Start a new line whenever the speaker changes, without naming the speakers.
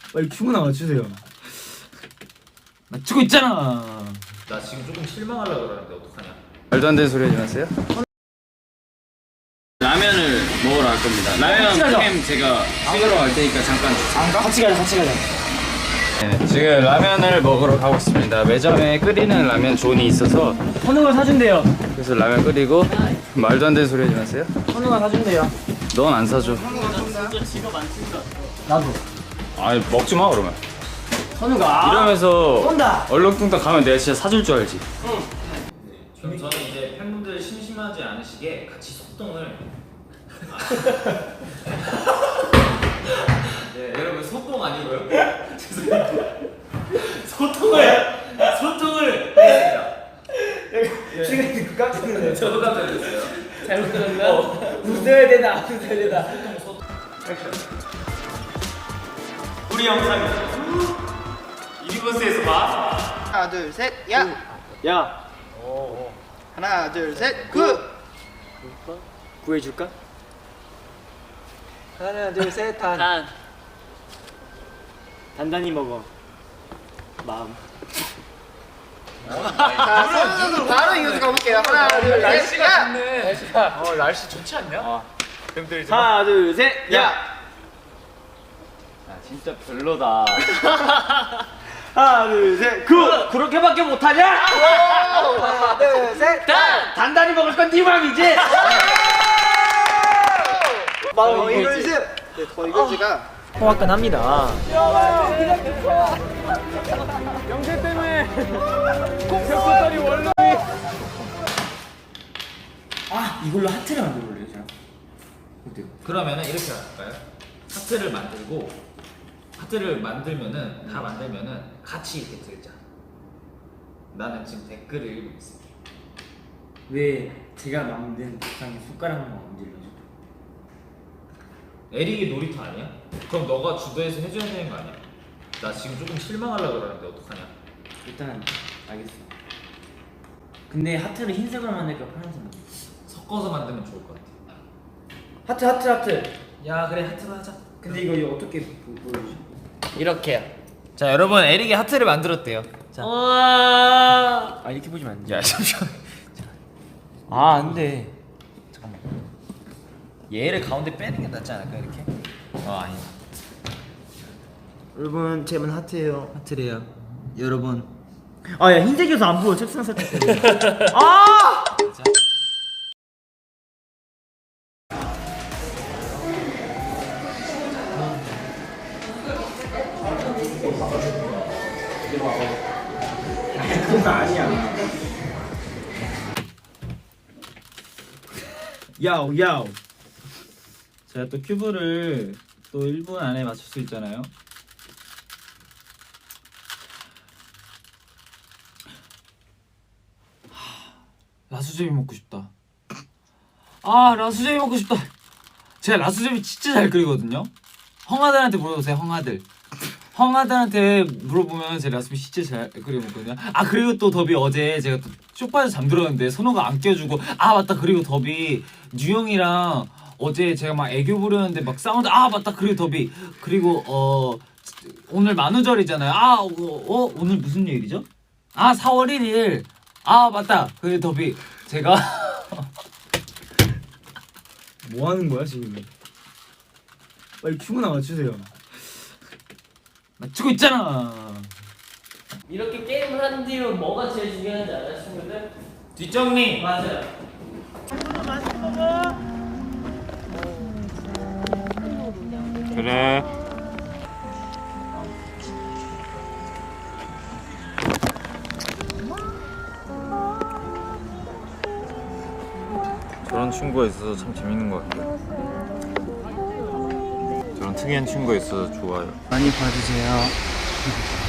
빨리 큐브나 맞추세요. 맞추고 있잖아.
나 지금 조금 실망하려고 그러는데 어떡하냐?
말도 안 되는 소리 하지 마세요. 라면을 먹으러 갈 겁니다. 라면 캠 제가 찍으러 갈 테니까 잠깐 주세요.
안 가? 같이 가자.
네, 지금 라면을 먹으러 가고 있습니다. 매점에 끓이는 라면 존이 있어서
선우가 사준대요.
그래서 라면 끓이고. 말도 안 되는 소리 하지 마세요.
선우가 사준대요.
넌 안 사줘.
나도.
아니 먹지 마 그러면.
선우가
이러면서
쏜다.
얼렁뚱땅 가면 내가 진짜 사줄 줄 알지.
그럼 저는 이제 팬분들 심심하지 않으시게 같이 소통을. 네, 여러분 소통 아니고요. 죄송합니다. 소통을 했습니다.
지금 깜짝 놀랐네.
저도 깜짝 놀랐어요.
잘못 들었나? 웃어야 되나?
우리 영상 유니버스에서 봐.
하나 둘 셋 야!
야,
하나 둘 셋 구!
구해줄까?
하나 둘 셋 단!
단단히 먹어. 마음.
자, 선수 바로 이어서 가볼게요. 하나 둘 셋 야!
날씨 좋지 않냐?
하나, 둘, 셋, 야!
아 진짜 별로다.
하나, 둘, 셋, 구! 그렇게밖에 못하냐?
하나 둘 셋 단!
단단히 먹을 건 네 맘이지?
더 이글스! 네, 더 이글스가
호박간합니다. 아, 이걸로 하트를 만들어볼래요, 제가? 어때요?
그러면은 이렇게 할까요? 하트를 만들고 하트를 만들면은 다 만들면은 같이 이렇게 들자. 나는 지금 댓글을 읽고 있을게.
왜 제가 만든 밥상에 숟가락만 얹으려죠?
에릭이 놀이터 아니야? 그럼 너가 주도해서 해줘야 되는 거 아니야? 나 지금 조금 실망하려고 그러는데 어떡하냐?
일단 알겠어. 근데 하트를 흰색으로 만들까 파란색 만들까?
섞어서 만들면 좋을 것 같아.
하트.
야 그래 하트로 하자.
근데 이거 어떻게 보여주지?
이렇게요. 자 여러분 에릭이 하트를 만들었대요.
자. 아, 이렇게 보시면 안 돼.
야 잠시만.
아, 안 돼.
잠깐만. 얘를 가운데 빼는 게 낫지 않을까 이렇게? 아니.
여러분, 제 이번 하트예요. 하트래요. 여러분. 아, 야, 흰색이어서 안 보여. 책상 살짝 때문에. 아! 그건 아니야. 야오. 제가 또 큐브를 또 1분 안에 맞출 수 있잖아요. 라수제비 먹고 싶다. 아, 라수제비 먹고 싶다. 제가 라수제비 진짜 잘 끓이거든요. 형아들한테 물어보세요, 형아들. 형아들한테 물어보면 제가 라수제비 진짜 잘 끓여 먹거든요. 아, 그리고 또 더비 어제 제가 또 쇼파에서 잠들었는데 선호가 안 껴주고, 아 맞다, 그리고 더비 뉴형이랑 어제 제가 막 애교 부렸는데 막 싸운다. 아 맞다, 그리고 더비, 그리고 오늘 만우절이잖아요. 오늘 무슨 요일이죠? 아 4월 1일. 아 맞다, 그리고 더비 제가 뭐 하는 거야 지금? 빨리 큐브나 맞추세요. 맞추고 있잖아.
이렇게 게임을 하는 뒤로 뭐가 제일 중요한지 알아요, 친구들?
뒷정리.
맞아요.
그래. 저런 친구가 있어서 참 재밌는 것 같아요. 저런 특이한 친구가 있어서 좋아요.
많이 봐주세요.